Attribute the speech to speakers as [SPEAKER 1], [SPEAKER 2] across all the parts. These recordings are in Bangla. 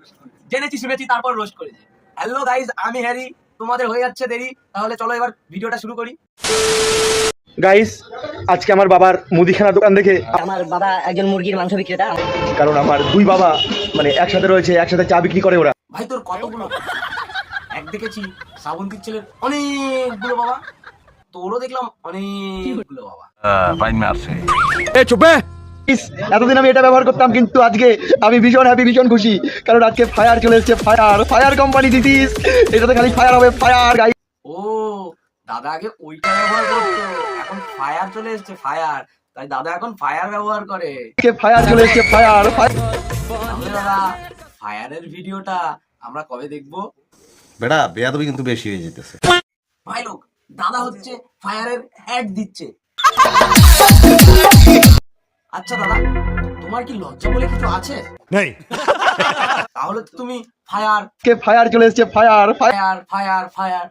[SPEAKER 1] জেনেছি শুনেছি তারপর রোস্ট করেছি। হ্যালো গাইস, আমি হ্যারি, তোমাদের হয়ে যাচ্ছে দেরি, তাহলে চলো এবার ভিডিওটা শুরু করি।
[SPEAKER 2] গাইস, আজকে আমার বাবার মুদিখানা দোকান দেখে,
[SPEAKER 3] আমার বাবা একজন মুরগির মাংস বিক্রেতা।
[SPEAKER 2] কারণ আমার দুই বাবা মানে একসাথে রয়েছে, একসাথে চা বিক্রি করে ওরা।
[SPEAKER 1] ভাই তোর কতগুলো এক দেখেছি শ্রাবন্তীর ছেলের অনেকগুলো বাবা, তোরও দেখলাম অনেকগুলো বাবা।
[SPEAKER 2] Guys, এতদিন আমি এটা ব্যবহার করতাম, কিন্তু আজকে আমি ভীষণ হ্যাপি, ভীষণ খুশি, কারণ আজকে ফায়ার চলে এসেছে। ফায়ার কোম্পানি দিস, এটাতে খালি ফায়ার হবে, ফায়ার। গাইস,
[SPEAKER 1] ও দাদা আগে ওইটা ব্যবহার করতো, এখন ফায়ার চলে এসেছে, ফায়ার, তাই দাদা এখন ফায়ার ব্যবহার করে।
[SPEAKER 2] ফায়ার চলে এসেছে, ফায়ার।
[SPEAKER 1] তাহলে দাদা ফায়ারের ভিডিওটা আমরা কবে দেখবো?
[SPEAKER 4] বেটা বেয়াদবি কিন্তু বেশি হয়ে যেতেছে।
[SPEAKER 1] ভাই লোক, দাদা হচ্ছে ফায়ারের অ্যাড দিচ্ছে। আচ্ছা দাদা, তোমার কি লজ্জা বলে কিছু আছে?
[SPEAKER 5] नहीं।
[SPEAKER 1] তাহলে তো তুমি ফায়ার
[SPEAKER 2] ফায়ার চলে এসেছে, ফায়ার।
[SPEAKER 1] ফায়ার ফায়ার ফায়ার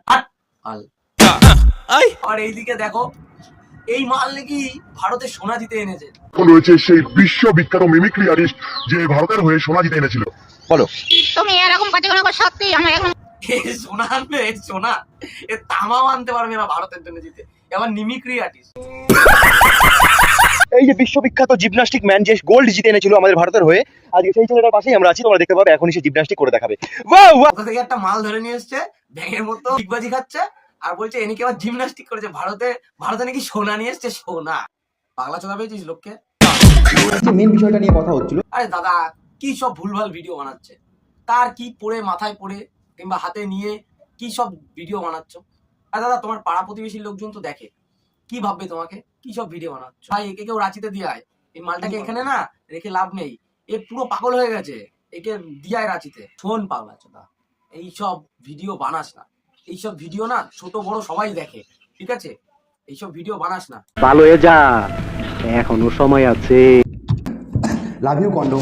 [SPEAKER 1] আর এইদিকে দেখো, এই মাল নাকি ভারতে সোনা জিতে এনেছে।
[SPEAKER 6] রয়েছে সেই বিশ্ববিখ্যাত মিমিক্রি আর্টিস্ট যে ভারতের হয়ে সোনা জিতে এনেছিল।
[SPEAKER 2] বলো,
[SPEAKER 7] তুমি এরকম কথা কোনো সত্যি আমার এখন
[SPEAKER 1] সোনা আনবে, সোনা এ তামাও আনতে পারবে না ভারতের জন্য জিতে, এবার মিমিক্রি আর্টিস্ট।
[SPEAKER 2] এই যে বিশ্ববিখ্যাত জিমন্যাস্টিক ম্যান যে গোল্ড জিতে এনেছিল আমাদের ভারতের হয়ে, আজকে সেই ছেলেটার পাশেই আমরা আছি। তোমরা দেখতে পাবে এখনই সে জিমন্যাস্টিক করে দেখাবে। ওয়াও ওয়াও,
[SPEAKER 1] কোথা থেকে একটা মাল ধরে নিয়ে এসছে, ব্যাঙের মতো ডিগবাজি খাচ্ছে, আর বলছে এ নাকি আবার জিমন্যাস্টিক করেছে। ভারতে নাকি সোনা নিয়ে এসছে, সোনা। পাগলা চোদা পেয়েছিস লোককে?
[SPEAKER 2] মেন বিষয়টা নিয়ে কথা হচ্ছিল।
[SPEAKER 1] আরে দাদা, কি সব ভুলভাল ভিডিও বানাচ্ছে, কার কি পড়ে মাথায় পড়ে কিংবা হাতে নিয়ে কি সব ভিডিও বানাচ্ছ? আর দাদা, তোমার পাড়া প্রতিবেশীর লোকজন তো দেখে, কি ভাববে তোমাকে? কি সব ভিডিও বানাচ্ছ? ভাই একে কেউ রাঁচিতে দিয়ে আয়, এই মালটাকে এখানে না রেখে লাভ নেই, এ পুরো পাগল হয়ে গেছে, একে দিয়ায় রাঁচিতে। শোন পাগলা চোদা, এইসব ভিডিও বানাস না, এইসব ভিডিও না ছোট বড় সবাই দেখে, ঠিক আছে? এইসব ভিডিও বানাস না।
[SPEAKER 8] ভালো হয়ে যা, এখনো সময় আছে।
[SPEAKER 2] Love you condom.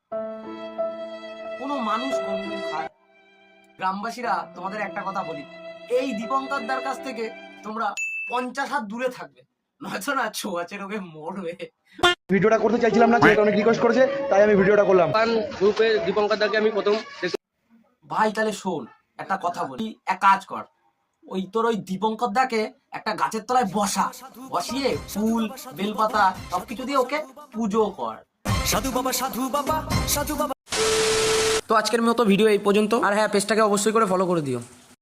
[SPEAKER 1] কোনো মানুষ কন্ডম খায়? গ্রামবাসীরা তোমাদের একটা কথা বলি, এই দীপঙ্কর দার কাছ থেকে তোমরা 50 হাত দূরে থাকবে, নয়তো না ছোঁয়াচে রোগে মরবে।
[SPEAKER 2] ভিডিওটা করতে চাইছিলাম না, ছেলেটা অনেক রিকোয়েস্ট করেছে, তাই আমি ভিডিওটা করলাম।
[SPEAKER 8] গ্রুপে দীপঙ্কর দাকে আমি প্রথম
[SPEAKER 1] ভাই তাহলে শোন, একটা কথা বলি, এক কাজ কর, ওই দীপঙ্কর দাকে একটা গাছের তলায় বসিয়ে ফুল বেলপাতা সবকিছু দিয়ে ওকে পুজো কর।
[SPEAKER 5] साधु बाबा साधु बाबा साधु बाबा।
[SPEAKER 1] তো আজকের মতো ভিডিও এই পর্যন্ত, আর হ্যাঁ, পেজটাকে অবশ্যই করে ফলো করে দিও।